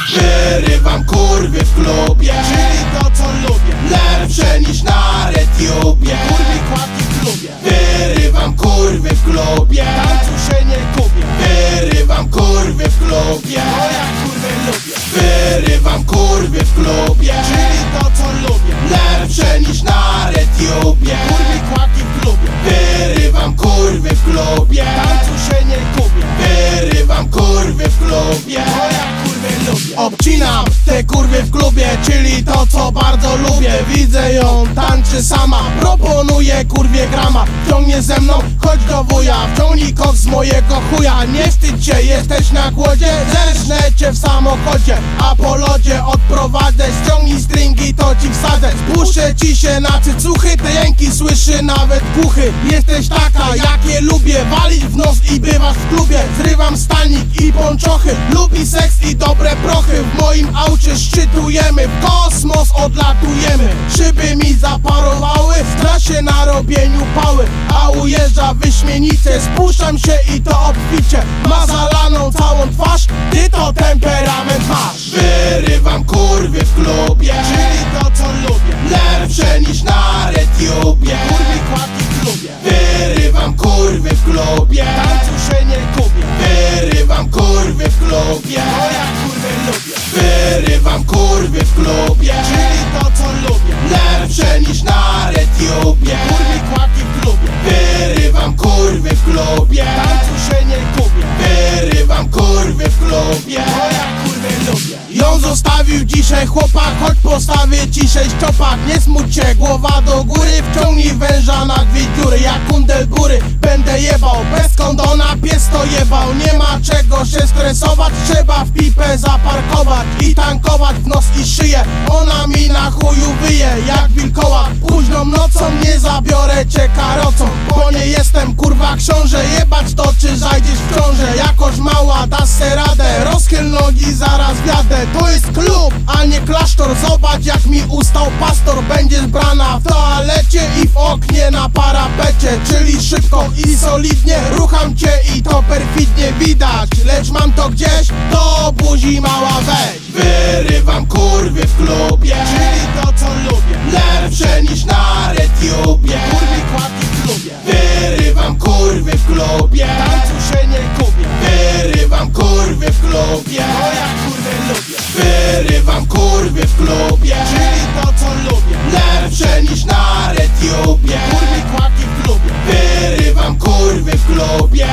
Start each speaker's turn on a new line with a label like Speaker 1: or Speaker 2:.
Speaker 1: Wyrywam kurwy w klubie,
Speaker 2: czyli to co lubię.
Speaker 1: lepsze niż na RedTubie.
Speaker 2: Kurwi kładki w klubie,
Speaker 1: Wyrywam kurwy w klubie,
Speaker 2: tańcu się nie kupię.
Speaker 1: wyrywam kurwy w klubie,
Speaker 2: Bo ja kurwy lubię,
Speaker 1: wyrywam kurwy w klubie,
Speaker 2: czyli to co lubię.
Speaker 1: lepsze niż na RedTubie.
Speaker 2: Kurwi kładki w klubie,
Speaker 1: Wyrywam kurwy w klubie,
Speaker 2: tańcu się nie kupię.
Speaker 1: wyrywam kurwy w klubie.
Speaker 2: Bo ja kurwy lubię,
Speaker 1: Obcinam te kurwy w klubie, czyli to co bardzo lubię. Widzę ją, tańczy sama, proponuję kurwie grama. Ciągnie ze mną, chodź do wuja, wciągnij kok z mojego chuja. Nie wstydź się, jesteś na głodzie, zerżnę cię w samochodzie, a po lodzie odprowadzę. Ściągnij stringi, to ci wsadzę. Spuszczę ci się na cycuchy, te jęki słyszy nawet głuchy. Jesteś taka, jakie lubię, walić w nos i bywasz w klubie. Zrywam stanik i ponczochy, lubi seks i dobre prochy. W moim aucie szczytujemy, w kosmos odlatujemy. Szyby mi zaparowały, zna się na robieniu pały, a ujeżdża wyśmienicie. Spuszczam się i to obficie, ma zalaną całą twarz, ty to temperament masz. Wyrywam kurwy w klubie,
Speaker 2: czyli to co lubię.
Speaker 1: lepsze niż na RedTubie.
Speaker 2: Kurwi kładki w klubie,
Speaker 1: Wyrywam kurwy w klubie,
Speaker 2: tańcu się nie kupię.
Speaker 1: wyrywam kurwy w klubie,
Speaker 2: Bo ja kurwy lubię,
Speaker 1: wyrywam kurwy w klubie,
Speaker 2: czyli to co lubię.
Speaker 1: lepsze niż na RedTubie.
Speaker 2: Kurwi kładki w klubie,
Speaker 1: Wyrywam kurwy w klubie,
Speaker 2: tańcu się nie kupię.
Speaker 1: wyrywam kurwy w klubie.
Speaker 2: Bo ja kurwy lubię,
Speaker 1: Ją zostawił dzisiaj chłopak, choć postawię ci 6 czopak. Nie smuć się, głowa do góry, wciągnij węża na 2 dziury. Jak kundel góry będę jebał, bez kondona pies to jebał. Nie ma czego się stresować, trzeba w pipę zaparkować i tankować w nos i szyję. Ona mi na chuju wyje jak wilkołak. Późną nocą nie zabiorę cię karocą, bo nie jestem kurwa książę. Jebać to czy zajdziesz w ciążę, jakoś mała dasz se radę. Rozchyl nogi, zaraz wjadę. To jest klub, a nie klasztor. Zobacz jak mi ustał pastor. Będziesz brana w toalecie i w oknie na parapecie. Czyli szybko i solidnie rucham cię i to perfidnie widać. Lecz mam to gdzieś, do buzi mała weź. Wyrywam kurwy w klubie,
Speaker 2: czyli to co lubię.
Speaker 1: lepsze niż na RedTubie.
Speaker 2: Kurwi kładki w klubie,
Speaker 1: Wyrywam kurwy w klubie,
Speaker 2: tańcu się nie kupię.
Speaker 1: wyrywam kurwy w klubie,
Speaker 2: Bo ja kurwy lubię,
Speaker 1: wyrywam kurwy w klubie,
Speaker 2: czyli to co lubię.
Speaker 1: lepsze niż na RedTubie.
Speaker 2: Kurwi kładki w klubie,
Speaker 1: Wyrywam kurwy w klubie,